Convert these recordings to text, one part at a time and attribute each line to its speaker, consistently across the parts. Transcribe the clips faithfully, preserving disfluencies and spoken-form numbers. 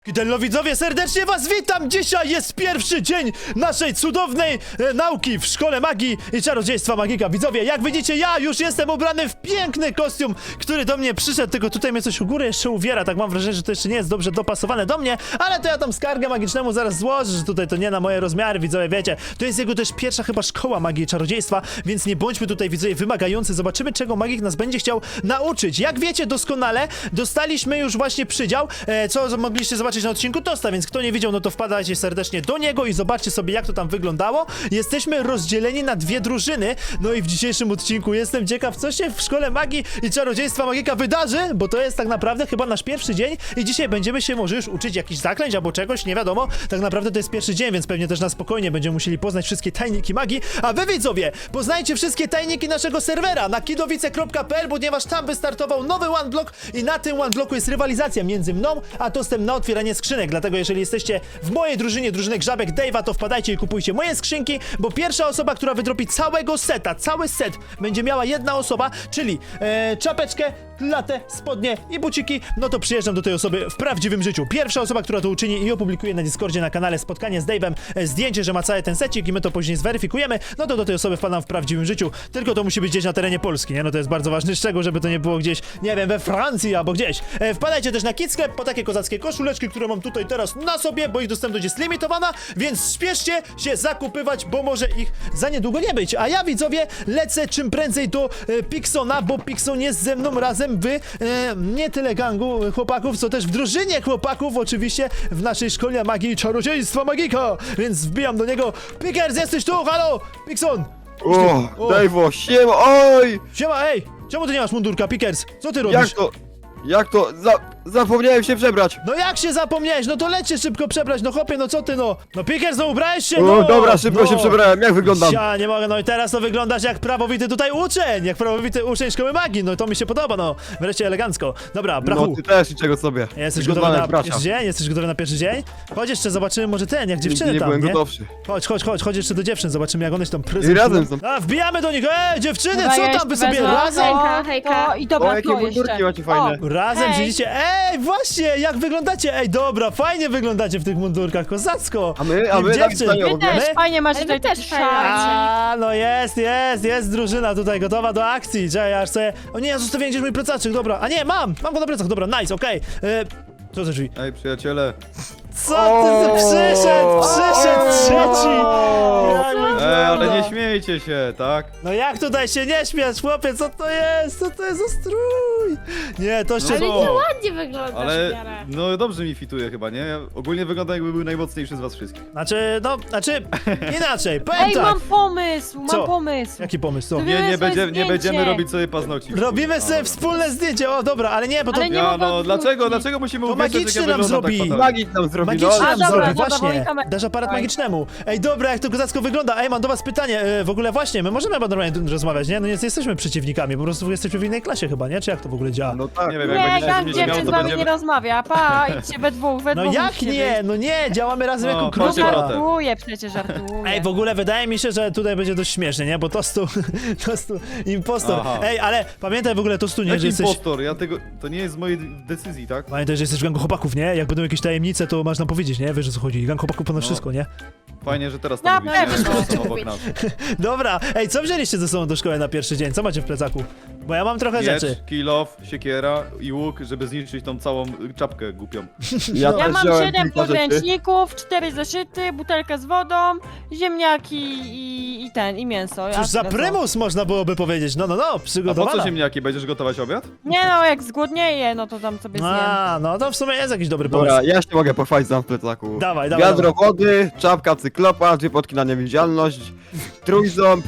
Speaker 1: Kidello widzowie, serdecznie was witam! Dzisiaj jest pierwszy dzień naszej cudownej e, nauki w Szkole Magii i Czarodziejstwa Magika. Widzowie, jak widzicie, ja już jestem ubrany w piękny kostium, który do mnie przyszedł, tylko tutaj mnie coś u góry jeszcze uwiera, tak mam wrażenie, że to jeszcze nie jest dobrze dopasowane do mnie, ale to ja tam skargę magicznemu zaraz złożę, że tutaj to nie na moje rozmiary, widzowie, wiecie. To jest jego też pierwsza chyba szkoła magii i czarodziejstwa, więc nie bądźmy tutaj, widzowie, wymagający. Zobaczymy, czego magik nas będzie chciał nauczyć. Jak wiecie doskonale, dostaliśmy już właśnie przydział, e, co mogliście zobaczyć na odcinku Tosta, więc kto nie widział, no to wpadajcie serdecznie do niego i zobaczcie sobie, jak to tam wyglądało. Jesteśmy rozdzieleni na dwie drużyny, no i w dzisiejszym odcinku jestem ciekaw, co się w Szkole Magii i Czarodziejstwa Magika wydarzy, bo to jest tak naprawdę chyba nasz pierwszy dzień i dzisiaj będziemy się może już uczyć jakichś zaklęć albo czegoś, nie wiadomo. Tak naprawdę to jest pierwszy dzień, więc pewnie też na spokojnie będziemy musieli poznać wszystkie tajniki magii, a wy widzowie, poznajcie wszystkie tajniki naszego serwera na kidowice kropka p l, ponieważ tam wystartował nowy OneBlock i na tym OneBlocku jest rywalizacja między mną a Tostem na otwieranie skrzynek, dlatego jeżeli jesteście w mojej drużynie, drużyny Grzabek Dave'a, to wpadajcie i kupujcie moje skrzynki, bo pierwsza osoba, która wydropi całego seta, cały set, będzie miała jedna osoba, czyli e, czapeczkę, latę, spodnie i buciki, no to przyjeżdżam do tej osoby w prawdziwym życiu. Pierwsza osoba, która to uczyni i opublikuje na Discordzie, na kanale Spotkanie z Dave'em e, zdjęcie, że ma cały ten secik i my to później zweryfikujemy, no to do tej osoby wpadam w prawdziwym życiu, tylko to musi być gdzieś na terenie Polski, nie? No to jest bardzo ważny szczegół, żeby to nie było gdzieś, nie wiem, we Francji albo gdzieś. E, wpadajcie też na Kids Sklep po takie kozackie koszuleczki, które mam tutaj teraz na sobie, bo ich dostępność jest limitowana, więc śpieszcie się zakupywać, bo może ich za niedługo nie być. A ja, widzowie, lecę czym prędzej do e, Pixona, bo Pixon jest ze mną razem w e, nie tyle gangu chłopaków, co też w drużynie chłopaków, oczywiście w naszej szkole magii i czarodziejstwa magika, więc wbijam do niego. Pickers, jesteś tu, halo! Pixon!
Speaker 2: O, Dave'o, siema, oj!
Speaker 1: Siema, ej! Czemu ty nie masz mundurka, Pickers? Co ty robisz?
Speaker 2: Jak to, jak to, za, zapomniałem się przebrać.
Speaker 1: No jak się zapomniałeś? No to leć się szybko przebrać, no chłopie, no co ty, no? No Pickers, no ubrałeś się,
Speaker 2: O,
Speaker 1: no!
Speaker 2: dobra, szybko
Speaker 1: no.
Speaker 2: się przebrałem, jak wyglądam?
Speaker 1: Ja nie mogę, no i teraz to wyglądasz jak prawowity tutaj uczeń, jak prawowity uczeń szkoły magii, no to mi się podoba, no. Wreszcie elegancko. Dobra, brachu.
Speaker 2: No ty też niczego sobie.
Speaker 1: Jesteś
Speaker 2: Przygotowany
Speaker 1: gotowy na
Speaker 2: jak bracia.
Speaker 1: pierwszy dzień? Jesteś gotowy na pierwszy dzień? Chodź jeszcze, zobaczymy może ten, jak dziewczyny
Speaker 2: nie
Speaker 1: tam,
Speaker 2: byłem
Speaker 1: nie?
Speaker 2: gotowszy.
Speaker 1: Chodź, chodź, chodź, chodź jeszcze do dziewczyn, zobaczymy jak one się tam
Speaker 2: I
Speaker 1: prezentują.
Speaker 2: razem są.
Speaker 1: A, wbijamy do nich, ej, dziewczyny,
Speaker 3: Dobra,
Speaker 1: co
Speaker 3: ja
Speaker 1: tam wy
Speaker 3: jeszcze
Speaker 1: sobie
Speaker 3: wezmę.
Speaker 1: razem?
Speaker 3: Hejka,
Speaker 4: hejka.
Speaker 3: To, I dobra,
Speaker 2: O, jakie
Speaker 3: to
Speaker 2: mundurki
Speaker 3: jeszcze.
Speaker 2: macie fajne.
Speaker 3: O,
Speaker 1: Razem
Speaker 3: hej.
Speaker 1: siedzicie, ej, właśnie, jak wyglądacie? Ej, dobra, fajnie wyglądacie w tych mundurkach, kozacko.
Speaker 2: A my, a
Speaker 1: I
Speaker 2: my tak
Speaker 1: dziewczyn.
Speaker 2: staniemy
Speaker 3: Wy
Speaker 2: obok.
Speaker 3: też,
Speaker 1: My?
Speaker 3: fajnie macie
Speaker 4: Ale
Speaker 3: tutaj
Speaker 4: my też
Speaker 3: taki
Speaker 4: fajnie.
Speaker 3: szarcik.
Speaker 1: A, no jest, jest, jest drużyna tutaj gotowa do akcji. Czekaj, aż sobie... O nie, ja zostawiłem gdzieś mój plecaczek, dobra. A nie, mam, mam go na plecach, dobra, nice, okej. Okay. Co za drzwi?
Speaker 2: Ej, przyjaciele.
Speaker 1: Co ty za przyszedł, przyszedł trzeci. Jak wy-
Speaker 5: Ej, ale nie śmiejcie się, tak?
Speaker 1: No jak tutaj się nie śmiać, chłopie, co to jest? Co to jest za strój? Nie, to się...
Speaker 5: No
Speaker 4: Ale
Speaker 5: co?
Speaker 4: nie ładnie wyglądasz
Speaker 5: Ale
Speaker 4: w miarę.
Speaker 5: no dobrze mi fituje chyba, nie? Ja ogólnie wygląda jakby był najmocniejszy z was wszystkich.
Speaker 1: Znaczy, no, znaczy, inaczej, powiem
Speaker 3: Ej,
Speaker 1: tak.
Speaker 3: mam pomysł, mam
Speaker 1: Co?
Speaker 3: pomysł.
Speaker 1: Jaki pomysł, co?
Speaker 3: To
Speaker 5: Nie, nie,
Speaker 3: sobie
Speaker 5: będzie, nie
Speaker 3: zdjęcie.
Speaker 5: będziemy robić sobie paznokci.
Speaker 1: Robimy
Speaker 5: A,
Speaker 1: sobie
Speaker 5: dobra.
Speaker 1: wspólne zdjęcie, o dobra, ale nie, bo to...
Speaker 3: Ale nie
Speaker 5: Ja
Speaker 3: mogę
Speaker 5: no,
Speaker 3: odwrócić.
Speaker 5: dlaczego, dlaczego musimy
Speaker 1: To
Speaker 5: uwierzyć,
Speaker 1: magiczny
Speaker 5: jak ja
Speaker 1: nam
Speaker 5: wyglądam
Speaker 1: zrobi.
Speaker 5: tak fatalnie?
Speaker 2: Magik nam zrobi,
Speaker 1: Magiczny
Speaker 2: no.
Speaker 1: nam
Speaker 3: A, dobra,
Speaker 1: zrobi,
Speaker 3: dobra,
Speaker 1: właśnie.
Speaker 3: woli kamerę.
Speaker 1: Dasz aparat
Speaker 3: Dawaj.
Speaker 1: magicznemu. Ej, dobra, jak to kozacko wygląda. Ej, mam do was pytanie. E, w ogóle właśnie, my możemy normalnie tu rozmawiać, nie? No nie jesteśmy przeciwnikami, po prostu jesteśmy w innej klasie chyba, nie? Czy jak to w ogóle działa?
Speaker 2: No tak.
Speaker 5: Nie wiem, jak
Speaker 3: Nie,
Speaker 5: będziecie
Speaker 3: gang
Speaker 5: mieć
Speaker 3: dziewczyn
Speaker 5: miał,
Speaker 3: z
Speaker 5: to
Speaker 3: wami nie
Speaker 5: będziemy...
Speaker 3: rozmawia, pa, idźcie we dwóch, we
Speaker 1: No
Speaker 3: dwóch
Speaker 1: jak
Speaker 3: musicie
Speaker 1: nie?
Speaker 3: być.
Speaker 1: No nie, działamy razem
Speaker 5: No,
Speaker 1: jako
Speaker 5: chodźcie,
Speaker 1: grupa.
Speaker 5: bratem.
Speaker 3: Żartuję, przecież żartuję.
Speaker 1: Ej, w ogóle wydaje mi się, że tutaj będzie dość śmiesznie, nie? Bo Tostu, Tostu, impostor.
Speaker 5: Aha.
Speaker 1: Ej, ale pamiętaj w ogóle Tostu, nie,
Speaker 5: Jaki
Speaker 1: że jesteś...
Speaker 5: impostor? Ja tego... To nie jest z mojej decyzji, tak?
Speaker 1: Pamiętaj, że jesteś w gangu chłopaków, nie? Jak będą jakieś tajemnice, to masz nam powiedzieć, nie? Wiesz o co chodzi. Gang chłopaków ponad
Speaker 5: No.
Speaker 1: wszystko, nie?
Speaker 5: Fajnie, że teraz
Speaker 3: Ja
Speaker 5: to mówicie,
Speaker 3: też
Speaker 5: że
Speaker 4: chcę
Speaker 5: są obok
Speaker 4: mówić.
Speaker 5: nas.
Speaker 1: Dobra, ej, co wzięliście ze sobą do szkoły na pierwszy dzień? Co macie w plecaku? Bo ja mam trochę rzeczy.
Speaker 5: Miecz, kill off, siekiera i łuk, żeby zniszczyć tą całą y, czapkę głupią.
Speaker 2: Ja,
Speaker 3: Ja
Speaker 2: też
Speaker 3: mam
Speaker 2: wziąłem
Speaker 3: siedem
Speaker 2: kilka rzeczy.
Speaker 3: podręczników, cztery zeszyty, butelkę z wodą, ziemniaki i, i ten, i mięso.
Speaker 1: Cóż
Speaker 3: A
Speaker 1: za
Speaker 3: tyle co.
Speaker 1: prymus można byłoby powiedzieć. No, no, no,
Speaker 5: A po
Speaker 1: przygotowana.
Speaker 5: co ziemniaki? Będziesz gotować obiad?
Speaker 3: Nie no, jak zgłodnieje, no to tam sobie zjem.
Speaker 1: A, no to w sumie jest jakiś dobry pomysł.
Speaker 2: Dobra, ja się mogę pochwalić za w plecaku.
Speaker 1: Dawaj, dawaj,
Speaker 2: Wiadro wody, czapka cyklopa, dwie potki na niewidzialność, trójząb.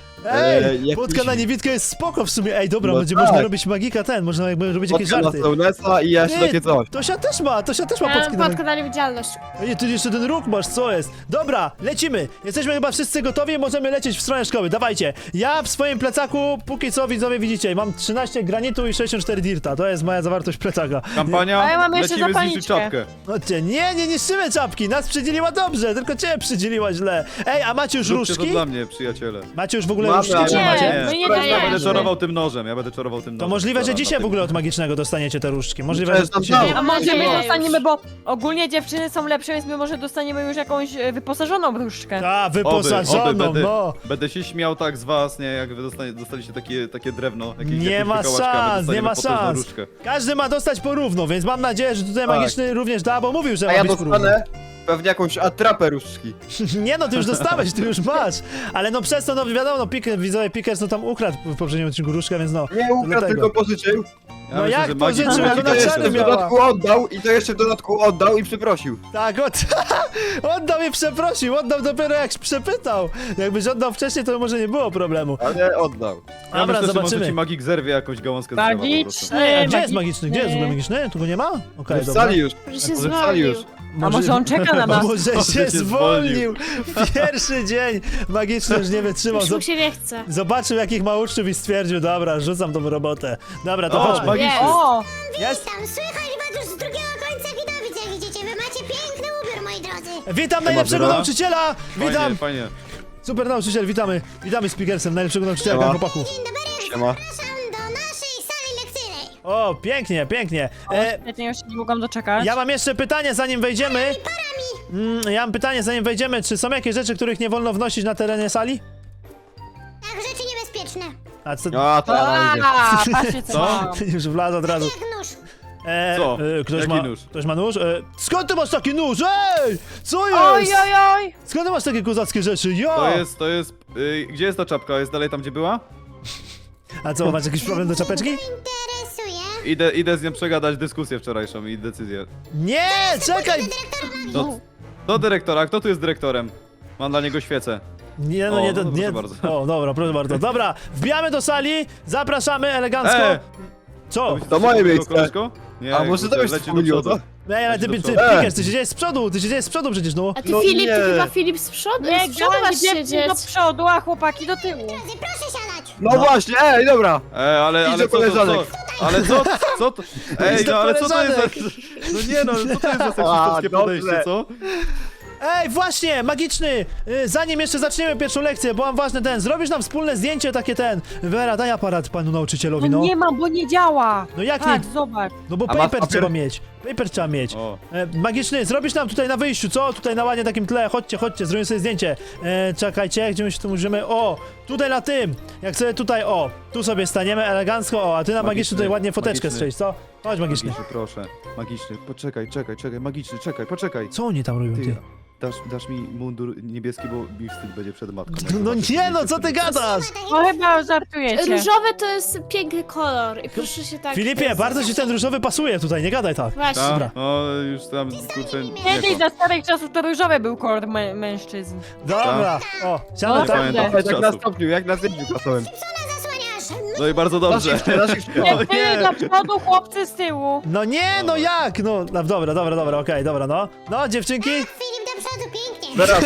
Speaker 1: Ej,
Speaker 2: Eee, jakiś-
Speaker 1: podka na niewidkę jest spoko w sumie. Ej, dobra,
Speaker 2: No
Speaker 1: będzie
Speaker 2: tak.
Speaker 1: można robić magika ten, można jakby robić jakieś
Speaker 2: Podka na
Speaker 1: żarty.
Speaker 2: Sołnesa i jeszcze
Speaker 1: Nie,
Speaker 2: takie coś.
Speaker 1: Tosia też ma, Tosia też ma
Speaker 4: Ja
Speaker 1: podki
Speaker 4: mam
Speaker 1: na
Speaker 4: podkę na niewidzialność.
Speaker 1: Ej, ty jeszcze ten róg masz, co jest? Dobra, lecimy. Jesteśmy chyba wszyscy gotowi, możemy lecieć w stronę szkoły. Dawajcie. Ja w swoim plecaku, póki co widzowie widzicie, mam trzynaście granitu i sześćdziesiąt cztery dirta. To jest moja zawartość plecaka.
Speaker 5: Kampania,
Speaker 3: A ja mam jeszcze
Speaker 5: lecimy zniszczyć
Speaker 3: zapalniczkę.
Speaker 5: czapkę.
Speaker 1: Chodźcie, nie, nie niszczymy czapki, nas przydzieliła dobrze, tylko cię przydzieliła źle. Ej, a macie już
Speaker 5: Zróbcie to
Speaker 1: różki?
Speaker 5: dla mnie, przyjaciele.
Speaker 1: Macie już w ogóle
Speaker 2: mamy,
Speaker 1: różdżki,
Speaker 2: ale
Speaker 1: czy
Speaker 3: nie,
Speaker 1: macie?
Speaker 3: my nie
Speaker 2: Wczoraj
Speaker 5: Ja
Speaker 3: dajemy.
Speaker 5: będę czorował tym nożem, ja będę czorował tym
Speaker 1: To
Speaker 5: nożem.
Speaker 1: możliwe, że
Speaker 5: Dobra,
Speaker 1: dzisiaj w
Speaker 5: na
Speaker 1: ogóle
Speaker 5: tym.
Speaker 1: od magicznego dostaniecie te różdżki. Możliwe,
Speaker 2: Przecież
Speaker 1: że
Speaker 2: tam
Speaker 1: dzisiaj...
Speaker 2: dał.
Speaker 3: A może my
Speaker 4: Nie,
Speaker 3: dostaniemy,
Speaker 4: już.
Speaker 3: bo ogólnie dziewczyny są lepsze, więc my może dostaniemy już jakąś e, wyposażoną różdżkę.
Speaker 1: A,
Speaker 5: Oby,
Speaker 1: wyposażoną,
Speaker 5: oby, będę,
Speaker 1: no.
Speaker 5: będę się śmiał tak z was, nie, jak wy dostanie, dostaliście takie, takie drewno. Jakieś,
Speaker 1: Nie
Speaker 5: jakąś
Speaker 1: ma
Speaker 5: wykałaczkę, a my
Speaker 1: szans, nie
Speaker 5: dostaniemy
Speaker 1: ma
Speaker 5: potężną
Speaker 1: szans.
Speaker 5: różdżkę.
Speaker 1: Każdy ma dostać porówno, więc mam nadzieję, że tutaj
Speaker 2: Tak.
Speaker 1: magiczny również da, bo mówił, że
Speaker 2: A
Speaker 1: ma
Speaker 2: ja
Speaker 1: być porówno.
Speaker 2: dostanę pewnie jakąś atrapę różdżki.
Speaker 1: Nie no, ty już dostałeś, ty już masz. Ale no przez to, no wiadomo, no Pickers, widzowie Pickers, no tam ukradł w poprzednim odcinku różkę, więc no.
Speaker 2: Nie ukradł,
Speaker 1: Dlatego.
Speaker 2: tylko pożyczył.
Speaker 5: Ja
Speaker 1: No
Speaker 5: myślę,
Speaker 1: jak
Speaker 5: że magik-
Speaker 1: pożyczył, jak
Speaker 2: I
Speaker 1: ona
Speaker 2: to jeszcze
Speaker 1: czary
Speaker 2: w
Speaker 1: miała.
Speaker 2: dodatku oddał, i to jeszcze w dodatku oddał i przeprosił.
Speaker 1: Tak, od... oddał i przeprosił, oddał dopiero jak przepytał. Jakbyś oddał wcześniej, to może nie było problemu.
Speaker 2: Ale oddał.
Speaker 5: Ja
Speaker 1: Dobra,
Speaker 5: myślę, że może
Speaker 1: zobaczymy.
Speaker 5: ci magik zerwie jakąś gałązkę z drzewa po prostu.
Speaker 3: Magiczny,
Speaker 1: Ej, a gdzie jest magiczny? Gdzie jest w ogóle
Speaker 3: magiczny.
Speaker 1: magiczny? Tu go nie ma? Okej,
Speaker 2: W
Speaker 1: dobra.
Speaker 2: sali już.
Speaker 4: Może się
Speaker 2: Może w sali już.
Speaker 4: zwolnił.
Speaker 3: A może on czeka na nas?
Speaker 1: Może
Speaker 5: Może
Speaker 1: się
Speaker 5: się
Speaker 1: zwolnił. Pierwszy dzień magiczny już nie wytrzymał.
Speaker 4: Już mu
Speaker 1: Zob-
Speaker 4: się nie chce.
Speaker 1: Zobaczył jakich ma uczniów i stwierdził, dobra, rzucam tą robotę. Dobra, to
Speaker 5: O,
Speaker 1: chodźmy.
Speaker 5: magiczny.
Speaker 3: O!
Speaker 1: Jest?
Speaker 6: Tam słychać was już z drugiego końca Widowic, jak widzicie. Wy macie piękny ubiór, moi drodzy.
Speaker 1: Witam najlepszego
Speaker 5: Zera.
Speaker 1: nauczyciela! Witam!
Speaker 5: Fajnie, fajnie.
Speaker 1: Super nauczyciel, witamy. Witamy z Pickersem, najlepszego nauczyciela,
Speaker 2: Siema.
Speaker 1: chłopaku.
Speaker 6: Dzień dobry,
Speaker 2: Siema.
Speaker 6: zapraszam do naszej sali lekcyjnej.
Speaker 1: O, pięknie, pięknie. E,
Speaker 3: Świetnie, już się nie mogłam doczekać.
Speaker 1: ja mam jeszcze pytanie, zanim wejdziemy. Mm, ja mam pytanie, zanim wejdziemy. Czy są jakieś rzeczy, których nie wolno wnosić na terenie sali?
Speaker 6: Tak, rzeczy niebezpieczne.
Speaker 1: A co?
Speaker 2: A, to ja idzie.
Speaker 3: A, patrzcie co
Speaker 5: Co?
Speaker 3: mam.
Speaker 1: Już wlazł od razu.
Speaker 6: Jak nóż.
Speaker 1: E,
Speaker 5: Co?
Speaker 1: E, ktoś,
Speaker 5: Jaki
Speaker 1: ma,
Speaker 5: nóż?
Speaker 1: ktoś ma nóż? E, skąd ty masz taki nóż? Ej! Co
Speaker 3: Oj,
Speaker 1: jest?
Speaker 3: oj, oj!
Speaker 1: Skąd ty masz takie kozackie rzeczy? Ja!
Speaker 5: To jest, to jest... Y, gdzie jest ta czapka? Jest dalej tam, gdzie była?
Speaker 1: A co, masz jakiś problem do czapeczki?
Speaker 6: Interesuje.
Speaker 5: Idę, idę z nią przegadać dyskusję wczorajszą i decyzję.
Speaker 1: Nie, czekaj!
Speaker 5: Do, do dyrektora, kto tu jest dyrektorem? Mam dla niego świecę.
Speaker 1: Nie, no
Speaker 5: O,
Speaker 1: nie, to,
Speaker 5: no proszę
Speaker 1: nie.
Speaker 5: bardzo.
Speaker 1: O, dobra, proszę bardzo. Dobra, wbijamy do sali, zapraszamy elegancko.
Speaker 5: E!
Speaker 1: Co?
Speaker 5: To
Speaker 2: moje miejsce.
Speaker 5: Koleżko? Nie,
Speaker 2: A może to
Speaker 5: kurde,
Speaker 2: byś
Speaker 5: leci do
Speaker 2: wspomniał,
Speaker 5: przodu.
Speaker 2: co?
Speaker 1: Ej, ale ty,
Speaker 5: Leci do
Speaker 1: ty,
Speaker 5: przodu.
Speaker 1: Pickers, ty siedziałeś z przodu, ty siedziałeś z przodu przecież, no.
Speaker 4: A ty
Speaker 2: No
Speaker 4: Filip,
Speaker 2: nie.
Speaker 4: ty chyba Filip z przodu,
Speaker 3: Nie,
Speaker 4: z przodu masz
Speaker 3: dziewczyny
Speaker 4: siedzieć.
Speaker 3: do przodu, a chłopaki do tyłu.
Speaker 6: Drodzy, proszę siadać.
Speaker 2: No właśnie, ej, dobra.
Speaker 5: E, ale,
Speaker 2: Idź
Speaker 5: ale
Speaker 2: do
Speaker 5: co, to, co?
Speaker 2: koleżanek.
Speaker 5: Ale co, co to? Ej,
Speaker 1: do
Speaker 5: no ale co to jest za...
Speaker 1: koleżanek.
Speaker 5: No nie no, co to jest za
Speaker 2: A,
Speaker 5: seksistowskie
Speaker 2: dobrze.
Speaker 5: podejście, co?
Speaker 1: Ej, właśnie, magiczny! Y, Zanim jeszcze zaczniemy pierwszą lekcję, bo mam ważny ten, zrobisz nam wspólne zdjęcie takie ten. Vera, daj aparat panu nauczycielowi,
Speaker 3: No
Speaker 1: no.
Speaker 3: nie mam, bo nie działa.
Speaker 1: No jak
Speaker 3: Patrz,
Speaker 1: nie?
Speaker 3: zobacz.
Speaker 1: No bo
Speaker 2: A masz
Speaker 1: paper
Speaker 2: papier?
Speaker 1: trzeba mieć. Paper trzeba mieć.
Speaker 5: O.
Speaker 1: E, magiczny, zrobisz nam tutaj na wyjściu, co? Tutaj na ładnie takim tle, chodźcie, chodźcie, zrobimy sobie zdjęcie. E, czekajcie, gdzie my się tu możemy, o, tutaj na tym, jak sobie tutaj, o, tu sobie staniemy elegancko, o, a ty na magiczny,
Speaker 5: Magiczny,
Speaker 1: tutaj ładnie foteczkę
Speaker 5: magiczny.
Speaker 1: strzelić, co? Chodź magiczny.
Speaker 5: Magiczny, proszę. Magiczny, poczekaj, czekaj, czekaj, magiczny, czekaj, poczekaj.
Speaker 1: Co oni tam robią, ty?
Speaker 5: Ty, dasz, dasz mi mundur niebieski, bo mi wstyd będzie przed matką. jak
Speaker 1: No
Speaker 5: zobaczysz,
Speaker 1: nie,
Speaker 5: że
Speaker 1: no co ty
Speaker 5: niebieski.
Speaker 1: gadasz?
Speaker 3: No chyba żartujecie.
Speaker 4: Różowy to jest piękny kolor i proszę się tak...
Speaker 1: Filipie, bardzo ci ten różowy pasuje tutaj, nie gadaj tak.
Speaker 4: Właśnie.
Speaker 5: Ta?
Speaker 1: Dobra.
Speaker 5: No już tam, kurczę, nie
Speaker 3: Kiedyś
Speaker 5: to.
Speaker 3: za starych czasów to różowy był kolor mę mężczyzn.
Speaker 1: Dobra, o, siadaj
Speaker 3: No,
Speaker 1: tak.
Speaker 5: pamiętam.
Speaker 3: dobrze.
Speaker 2: Ej, tak na
Speaker 5: Czasów.
Speaker 2: stopniu, jak na zdjęciu kasowym.
Speaker 6: Ona zasłaniasz.
Speaker 5: No i bardzo
Speaker 2: Na
Speaker 5: dobrze.
Speaker 2: shifcie, na shifcie.
Speaker 3: Nie, ty do przodu, chłopcy z tyłu.
Speaker 1: No nie, no jak, no, no dobra, dobra, dobra, okej, dobra, no. No, dziewczynki?
Speaker 6: Filip do przodu, pięknie.
Speaker 2: Teraz,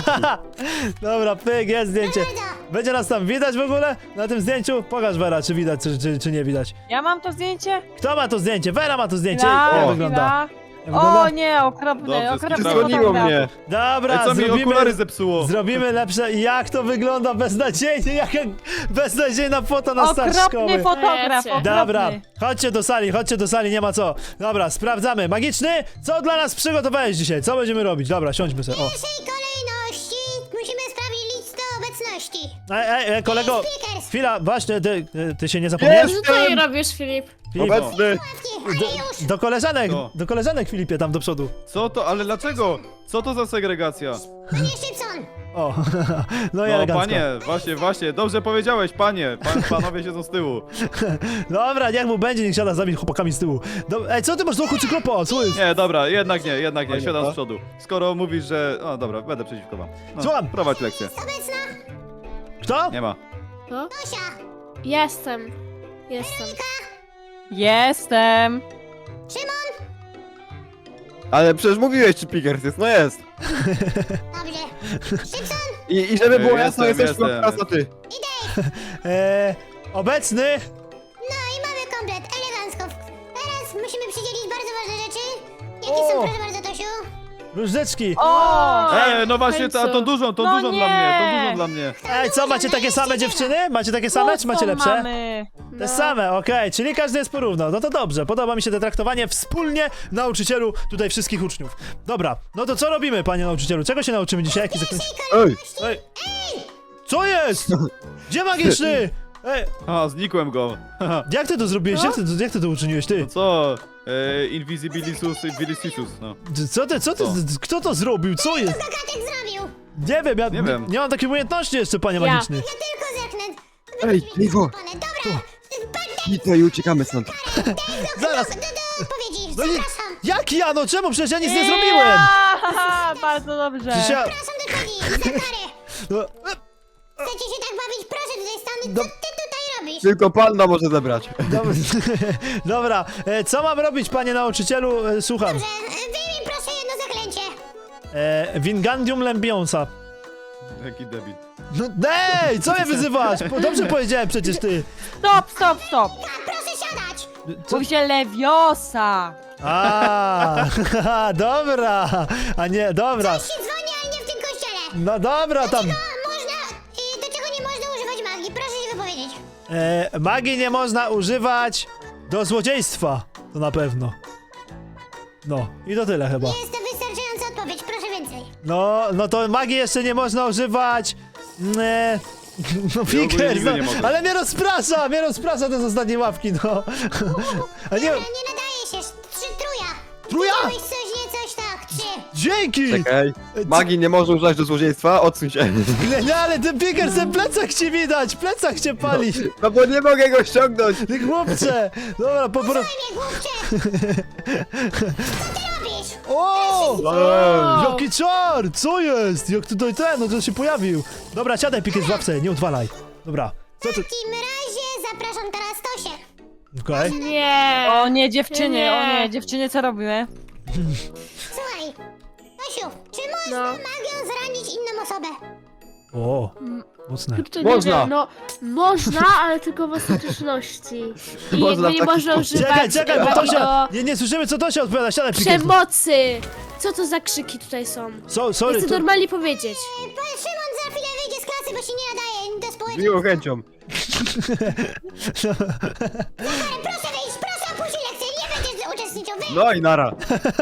Speaker 1: Dobra, pyk, jest zdjęcie.
Speaker 6: Bardzo.
Speaker 1: Będzie nas tam widać w ogóle na tym zdjęciu? Pokaż Vera, czy widać, czy, czy, czy nie widać.
Speaker 3: Ja mam to zdjęcie?
Speaker 1: Kto ma to zdjęcie? Vera ma to zdjęcie.
Speaker 3: Chwila,
Speaker 1: Jak wygląda?
Speaker 3: chwila.
Speaker 1: Jak wygląda?
Speaker 3: O nie, okropny,
Speaker 5: Dobrze,
Speaker 3: okropny
Speaker 5: skrzywdziło
Speaker 3: fotograf.
Speaker 2: mnie.
Speaker 1: Dobra,
Speaker 5: Ej, co mi
Speaker 1: zrobimy,
Speaker 5: okulary zepsuło?
Speaker 1: zrobimy lepsze. Jak to wygląda beznadziejnie, jaka beznadziejna foto na start
Speaker 3: Okropny
Speaker 1: szkoły.
Speaker 3: fotograf,
Speaker 4: Wiecie.
Speaker 3: okropny.
Speaker 1: Dobra, chodźcie do sali, chodźcie do sali, nie ma co. Dobra, sprawdzamy. Magiczny, co dla nas przygotowałeś dzisiaj? Co będziemy robić? Dobra, siądźmy sobie. O.
Speaker 6: W pierwszej kolejności musimy sprawdzić listę obecności.
Speaker 1: Ej, ej, ej, kolego,
Speaker 6: Pickers.
Speaker 1: chwila, właśnie, ty, ty się nie zapomniałeś?
Speaker 4: Co ty tutaj robisz, Filip?
Speaker 1: Filip,
Speaker 2: obecny.
Speaker 6: Ale już.
Speaker 1: do koleżanek,
Speaker 5: Co?
Speaker 1: do koleżanek Filipie tam do przodu.
Speaker 5: Co to, ale dlaczego? Co to za segregacja?
Speaker 6: Panie Szybson.
Speaker 1: O, no i
Speaker 5: No
Speaker 1: elegancko.
Speaker 5: panie, właśnie, właśnie, dobrze powiedziałeś, panie. Pan, panowie siedzą z tyłu.
Speaker 1: Dobra, niech mu będzie, niech siada z nami chłopakami z tyłu. Do, ej, co ty masz do oku cyklopa? Co jest?
Speaker 5: Nie, dobra, jednak nie, jednak nie,
Speaker 2: Panie,
Speaker 5: siadam
Speaker 2: co?
Speaker 5: z przodu. Skoro mówisz, że... O, dobra, będę przeciwko wam. No,
Speaker 1: Słucham.
Speaker 5: prowadź lekcję.
Speaker 6: Obecna.
Speaker 1: Kto?
Speaker 5: Nie ma.
Speaker 4: No?
Speaker 6: Tosia.
Speaker 4: Jestem. Jestem.
Speaker 3: Jestem.
Speaker 6: Szymon.
Speaker 2: Ale przecież mówiłeś, czy Pickers jest, no jest.
Speaker 6: Dobrze. Szybson.
Speaker 2: I, i żeby było
Speaker 5: Ej,
Speaker 2: jasno,
Speaker 5: jestem,
Speaker 2: jesteś
Speaker 5: jestem.
Speaker 2: teraz ty.
Speaker 1: Eee, obecny?
Speaker 6: No i mamy komplet. Elegancko. Teraz musimy przydzielić bardzo ważne rzeczy. Jakie
Speaker 1: O.
Speaker 6: są, proszę bardzo, Tosiu?
Speaker 1: Różdżeczki.
Speaker 3: O!
Speaker 5: Ej, no właśnie,
Speaker 4: końcu.
Speaker 5: ta, tą dużą, tą
Speaker 3: No
Speaker 5: dużą
Speaker 3: nie.
Speaker 5: dla mnie, tą dużą dla mnie.
Speaker 1: Ej, co, macie takie same dziewczyny? Macie takie same, czy macie
Speaker 3: No,
Speaker 1: lepsze?
Speaker 3: Mamy.
Speaker 1: Te same, okej, czyli każdy jest porówno. No to dobrze, podoba mi się to traktowanie wspólnie nauczycielu tutaj wszystkich uczniów. Dobra, no to co robimy, panie nauczycielu? Czego się nauczymy dzisiaj? Jaki zakończy...
Speaker 2: Ej,
Speaker 1: Ej! Co jest? Gdzie magiczny? Ej,
Speaker 5: A, znikłem go.
Speaker 1: jak ty to zrobiłeś? Jak ty, to- jak ty to uczyniłeś, ty?
Speaker 5: No co? E, Invisibilisus, Invisibilisus, no.
Speaker 1: Co ty, co ty,
Speaker 5: Co?
Speaker 1: kto to zrobił? Co jest?
Speaker 6: Gagatek zrobił.
Speaker 1: Nie wiem, ja
Speaker 5: Nie
Speaker 1: nie,
Speaker 5: wiem.
Speaker 1: nie mam takiej umiejętności jeszcze, panie
Speaker 4: Ja.
Speaker 1: magiczny.
Speaker 6: Ja tylko zerknę.
Speaker 2: ej, Liwo,
Speaker 6: Dobra,
Speaker 2: Pito i uciekamy stąd.
Speaker 1: Zaraz!
Speaker 6: do, do odpowiedzi,
Speaker 1: No nie,
Speaker 6: zapraszam.
Speaker 1: jak ja? No czemu? Przecież ja nic nie zrobiłem!
Speaker 3: Haha, bardzo dobrze.
Speaker 1: Przecież ja...
Speaker 6: Zapraszam do odpowiedzi, za karę.
Speaker 1: No, e,
Speaker 6: Chcecie się tak bawić? Proszę tutaj stanąć.
Speaker 1: Do-
Speaker 6: Co ty tutaj robisz?
Speaker 2: Tylko panda może zebrać.
Speaker 1: dobra, dobra, e, co mam robić, panie nauczycielu? E, Słucham.
Speaker 6: Dobrze, wyjmij proszę jedno zaklęcie.
Speaker 1: E, Wingandium Lembionsa.
Speaker 5: Jaki debil.
Speaker 1: No ej, co mnie wyzywasz? Po- Dobrze powiedziałem przecież ty.
Speaker 3: Stop, stop, stop.
Speaker 6: A, proszę siadać.
Speaker 1: Co?
Speaker 3: Mówi się Leviosa.
Speaker 1: A, dobra, a nie, dobra.
Speaker 6: Się dzwoni, ale nie w tym kościele.
Speaker 1: No dobra, tam.
Speaker 6: A można, y, do czego nie można używać magii? Proszę się wypowiedzieć.
Speaker 1: E, magii nie można używać do złodziejstwa. To na pewno. No, i to tyle chyba.
Speaker 6: Nie jest to wystarczająca odpowiedź, proszę więcej.
Speaker 1: No, no to magii jeszcze nie można używać. Nie. No Pickers,
Speaker 5: nigdy
Speaker 1: no,
Speaker 5: nie mogę.
Speaker 1: ale mnie rozprasza, mnie rozprasza te z ostatniej ławki, no. A nie,
Speaker 6: Dobra, nie nadaje się. Trzy truja.
Speaker 1: Truja?
Speaker 6: Widziałeś coś, nie coś, tak. Trzy.
Speaker 1: dzięki!
Speaker 2: Czekaj, magii nie może używać do złodziejstwa, odsuń się.
Speaker 1: Nie, nie, ale ten Pickers, ten plecak ci widać, plecak cię pali.
Speaker 2: No bo nie mogę go ściągnąć.
Speaker 1: Ty chłopcze. Dobra, po prostu.
Speaker 6: Mnie głupcze. Co ty robisz?
Speaker 1: O!
Speaker 2: Ej.
Speaker 1: Jaki czar! Co jest? Jak tutaj ten, no to się pojawił. Dobra, siadaj Pickers w łapce, nie odwalaj. Dobra, co
Speaker 6: W
Speaker 1: ty...
Speaker 6: takim razie zapraszam teraz Tosię.
Speaker 1: Okej.
Speaker 4: Nie.
Speaker 3: O nie, dziewczyny,
Speaker 4: Nie.
Speaker 3: o nie, dziewczyny, co robimy?
Speaker 6: Słuchaj, Tosiu, czy można
Speaker 4: No.
Speaker 6: magią zranić inną osobę?
Speaker 1: O, mocne.
Speaker 4: To nie
Speaker 2: Można.
Speaker 4: wiem, no można, ale tylko w ostateczności. I
Speaker 2: Można
Speaker 4: jakby nie
Speaker 2: w taki
Speaker 4: można
Speaker 2: sposób.
Speaker 4: używać
Speaker 1: Czekaj, czekaj, bo
Speaker 4: magii
Speaker 1: Tosia...
Speaker 4: do
Speaker 1: Nie, nie słyszymy, co Tosia odpowiada, siadaj Pickers.
Speaker 4: przemocy. Co to za krzyki tutaj są?
Speaker 1: So, sorry,
Speaker 4: Chcę
Speaker 1: to...
Speaker 4: normalnie powiedzieć.
Speaker 6: E, Pan Szymon za chwilę wyjdzie z klasy, bo się nie nadaje do
Speaker 2: Z
Speaker 6: społeczności.
Speaker 2: miłą chęcią.
Speaker 6: Proszę wyjść, proszę opuścić lekcję, nie będziesz uczestniczył. Wy...
Speaker 2: No i nara.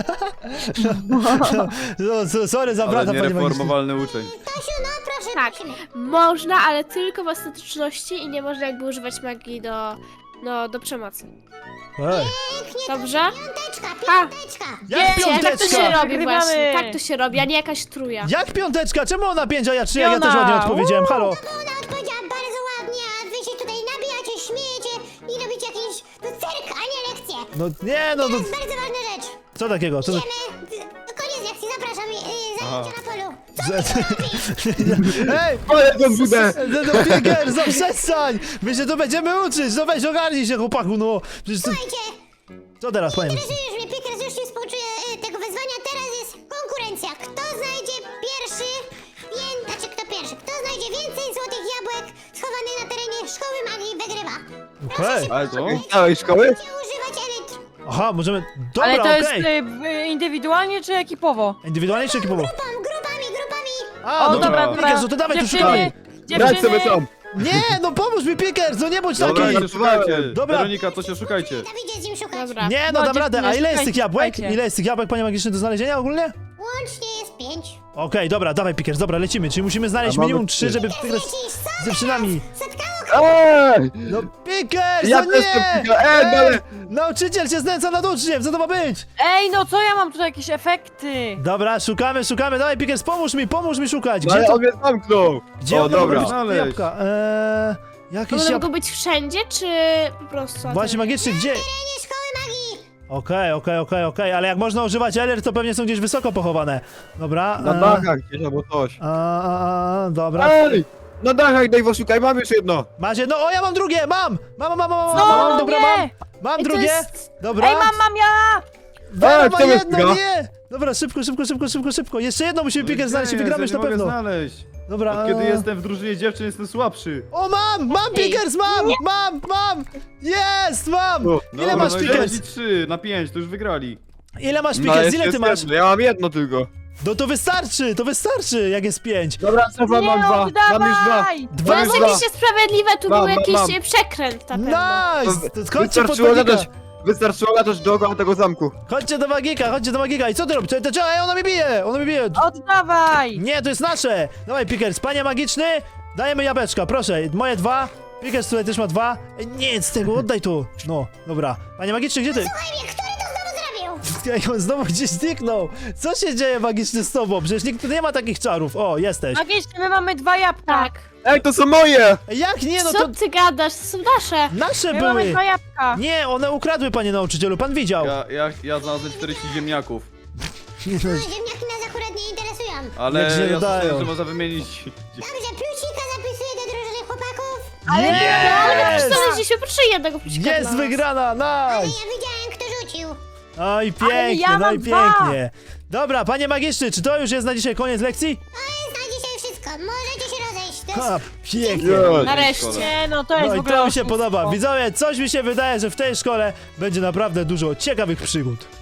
Speaker 1: No, so, sorry za
Speaker 5: Ale
Speaker 1: brata, panie magiczny.
Speaker 5: niereformowalny uczeń.
Speaker 6: Tosiu, no proszę,
Speaker 4: Tak.
Speaker 6: prosimy.
Speaker 4: Można, ale tylko w ostateczności i nie można jakby używać magii do, no, do przemocy.
Speaker 1: Ej,
Speaker 4: Dobrze?
Speaker 6: Piąteczka,
Speaker 4: Ha.
Speaker 6: piąteczka.
Speaker 1: jak
Speaker 4: Wiecie, tak to
Speaker 1: piąteczka?
Speaker 4: się robi
Speaker 3: Wygrywamy.
Speaker 4: właśnie. Tak to się robi, a nie jakaś truja.
Speaker 1: Jak piąteczka? Czemu ona pięć, a ja trzy? Ja
Speaker 3: Piona.
Speaker 1: też ładnie odpowiedziałem, halo.
Speaker 6: Bo ona odpowiedziała bardzo ładnie, a wy się tutaj nabijacie, śmiejecie i robicie jakiś no, cyrk, a nie lekcje.
Speaker 1: No nie, no
Speaker 6: To
Speaker 1: to...
Speaker 6: jest bardzo ważna rzecz.
Speaker 1: Co takiego? Co to...
Speaker 6: Idziemy, d- koniec lekcji, zapraszam, yy,
Speaker 5: Aha.
Speaker 6: zajęcia na polu.
Speaker 1: Ej!
Speaker 2: Ale to budę.
Speaker 1: No, no Pickers, no przestań! My się tu będziemy uczyć, no weź ogarnij się, chłopaku, no. Przecież to...
Speaker 6: Słuchajcie,
Speaker 1: Co teraz, panie?
Speaker 6: interesujesz mnie, Pickers już się współczuje y, tego wyzwania, teraz jest konkurencja. Kto znajdzie pierwszy, pię... znaczy kto pierwszy, kto znajdzie więcej złotych jabłek schowanych na terenie szkoły magii, wygrywa.
Speaker 1: Okej.
Speaker 2: Ale co, z całej szkoły?
Speaker 6: Chcecie używać elitr.
Speaker 1: Aha, możemy...
Speaker 3: Ale
Speaker 1: Dobra,
Speaker 3: to jest
Speaker 1: okej.
Speaker 3: y, y, indywidualnie czy ekipowo?
Speaker 1: Indywidualnie czy ekipowo?
Speaker 6: Grupami, grupami, grupami.
Speaker 1: A,
Speaker 3: O,
Speaker 1: dobra,
Speaker 3: dobra,
Speaker 1: Pickers,
Speaker 3: dobra.
Speaker 1: no to dawaj, tu
Speaker 3: Dziewczyny,
Speaker 1: szukamy.
Speaker 2: Grać sobie
Speaker 3: dziewczyny,
Speaker 2: sam.
Speaker 1: Nie, no pomóż mi, Pickers, no nie bądź
Speaker 2: Dobra,
Speaker 1: taki.
Speaker 2: ja-
Speaker 5: Szukajcie, szukajcie.
Speaker 1: Dobra.
Speaker 5: Weronika, to się szukajcie.
Speaker 6: Dawidzie z nim szukać.
Speaker 4: Dobra.
Speaker 1: Nie, no
Speaker 3: No,
Speaker 1: dam radę. A
Speaker 3: dziewczyny,
Speaker 1: ile jest tych
Speaker 3: szukajcie,
Speaker 1: jabłek?
Speaker 3: szukajcie.
Speaker 1: Ile jest tych jabłek, panie magiczny, do znalezienia ogólnie?
Speaker 6: Łącznie jest pięć.
Speaker 1: Okej, dobra, dawaj Pickers, dobra, lecimy. Czyli musimy znaleźć
Speaker 2: A mamy
Speaker 1: minimum trzy,
Speaker 2: trzy.
Speaker 1: żeby
Speaker 6: Teraz
Speaker 1: wygrać
Speaker 6: lecisz, co
Speaker 1: z dziewczynami.
Speaker 6: Spotkało
Speaker 2: Ej!
Speaker 1: No Pickers,
Speaker 2: Ja
Speaker 1: no
Speaker 2: też
Speaker 1: nie!
Speaker 2: to pikę- Ej, ale-
Speaker 1: Nauczyciel się znęca nad uczniem, co to ma być?
Speaker 3: Ej, no co ja mam tutaj jakieś efekty?
Speaker 1: Dobra, szukamy, szukamy, dawaj Pickers, pomóż mi, pomóż mi szukać.
Speaker 2: No
Speaker 1: Gdzie
Speaker 2: ale
Speaker 1: to...
Speaker 2: on mnie zamknął.
Speaker 1: Gdzie
Speaker 2: O,
Speaker 1: one mogą
Speaker 2: dobra.
Speaker 1: być te
Speaker 5: Znaleźć.
Speaker 1: jabłka? Eee, jakieś
Speaker 4: One
Speaker 1: jabłka...
Speaker 4: mogą być wszędzie, czy po prostu?
Speaker 1: Właśnie magiczny, gdzie?
Speaker 6: terenie szkoły magii.
Speaker 1: Okej, okej, okej, okej, ale jak można używać eler, to pewnie są gdzieś wysoko pochowane. Dobra.
Speaker 2: Na
Speaker 1: eee,
Speaker 2: dachach gdzieś albo coś.
Speaker 1: a, a, a, dobra.
Speaker 2: Ej! Na dachach, Dave, szukaj, mam już jedno.
Speaker 1: Macie, no o ja mam drugie, mam! Mam, mam, mam, mam,
Speaker 3: No,
Speaker 1: mam, dobra,
Speaker 3: nie.
Speaker 1: mam. Mam
Speaker 4: Ej, to
Speaker 1: drugie,
Speaker 4: jest-
Speaker 1: dobra.
Speaker 3: Ej, mam, mam ja!
Speaker 1: Vera
Speaker 2: Ej,
Speaker 1: ma
Speaker 2: kto mnie
Speaker 1: jedno,
Speaker 2: ściga?
Speaker 1: nie! Dobra, szybko, szybko, szybko, szybko, szybko. Jeszcze jedno musimy Pickers znaleźć i
Speaker 5: Gdzie
Speaker 1: wygramy już
Speaker 5: jest?
Speaker 1: na
Speaker 5: Ja nie
Speaker 1: pewno.
Speaker 5: mogę znaleźć.
Speaker 1: Dobra.
Speaker 5: Od kiedy
Speaker 1: eee,
Speaker 5: jestem w drużynie dziewczyn, jestem słabszy.
Speaker 1: O, mam! Mam Pickers, mam! Mam, mam! Jest, mam!
Speaker 2: O,
Speaker 1: Ile
Speaker 5: Dobra,
Speaker 1: masz
Speaker 5: no i
Speaker 1: Pickers?
Speaker 5: leci trzy na pięć, to już wygrali.
Speaker 1: Ile masz
Speaker 2: No,
Speaker 1: Pickers?
Speaker 2: jeszcze
Speaker 1: Ile ty
Speaker 2: jest
Speaker 1: masz?
Speaker 2: jedno, ja mam jedno tylko.
Speaker 1: No to wystarczy, to wystarczy, jak jest pięć.
Speaker 2: Dobra, Sofa,
Speaker 3: Nie,
Speaker 2: mam dwa. Mam już dwa.
Speaker 3: oddawaj!
Speaker 1: Dwa
Speaker 2: Mam
Speaker 1: już
Speaker 2: już
Speaker 1: dwa.
Speaker 2: dwa.
Speaker 4: Oczywiście sprawiedliwe, tu
Speaker 2: Mam,
Speaker 4: był
Speaker 2: mam,
Speaker 4: jakiś
Speaker 2: mam.
Speaker 4: e, przekręt na pewno.
Speaker 1: Nice! To chodźcie pod
Speaker 2: Wystarczyło
Speaker 1: magika.
Speaker 2: latać, wystarczyło latać dookoła tego zamku.
Speaker 1: Chodźcie do magika, chodźcie do magika. I co ty robisz? To, to, ej, ona mi bije, ona mi bije.
Speaker 3: Oddawaj!
Speaker 1: Nie, to jest nasze. Dawaj, Pickers, panie magiczny, dajemy jabłeczka, proszę. Moje dwa. Pickers tutaj też ma dwa. Ej, nie, z tego, oddaj to. No, dobra. Panie magiczny, gdzie ty?
Speaker 6: Słuchaj mnie, który to znowu zrobił?
Speaker 1: Ej, on znowu gdzieś zniknął. Co się dzieje magiczny z tobą? Przecież nikt tu nie ma takich czarów. O, jesteś.
Speaker 3: Magicznie, my mamy dwa jabłka.
Speaker 4: Tak.
Speaker 2: Ej, to są moje!
Speaker 1: Ej, jak nie, no
Speaker 4: Co
Speaker 1: to
Speaker 4: ty gadasz? To są nasze.
Speaker 1: nasze
Speaker 3: My mamy
Speaker 1: były.
Speaker 3: dwa jabłka.
Speaker 1: Nie, one ukradły, panie nauczycielu, pan widział.
Speaker 5: Ja, ja, ja znalazłem czterdzieści ziemniaków.
Speaker 1: Nie, no,
Speaker 6: No, ziemniaki nas akurat nie interesują.
Speaker 5: Ale
Speaker 1: Jak się
Speaker 5: ja
Speaker 1: dodają.
Speaker 5: słyszałem, że można wymienić...
Speaker 6: Dobrze, plusika zapisuję do drużyny chłopaków.
Speaker 4: Ale
Speaker 1: Jest!
Speaker 4: znaleźliśmy proszę jednego plusika
Speaker 1: Jest
Speaker 4: dla nas.
Speaker 1: wygrana,
Speaker 6: Ale
Speaker 1: nice!
Speaker 6: ja widziałem, kto rzucił.
Speaker 1: No i
Speaker 3: Ale
Speaker 1: pięknie,
Speaker 3: ja
Speaker 1: no i
Speaker 3: mam dwa.
Speaker 1: pięknie. Dobra, panie magiczny, czy to już jest na dzisiaj koniec lekcji?
Speaker 6: To jest na dzisiaj wszystko. Możecie się rozejść. To
Speaker 1: Ha,
Speaker 6: jest...
Speaker 1: pięknie.
Speaker 2: Jej.
Speaker 3: Nareszcie, no to jest
Speaker 1: No
Speaker 3: w
Speaker 1: i
Speaker 3: ogóle
Speaker 1: to mi się
Speaker 3: oszustwo.
Speaker 1: podoba. Widzowie, coś mi się wydaje, że w tej szkole będzie naprawdę dużo ciekawych przygód.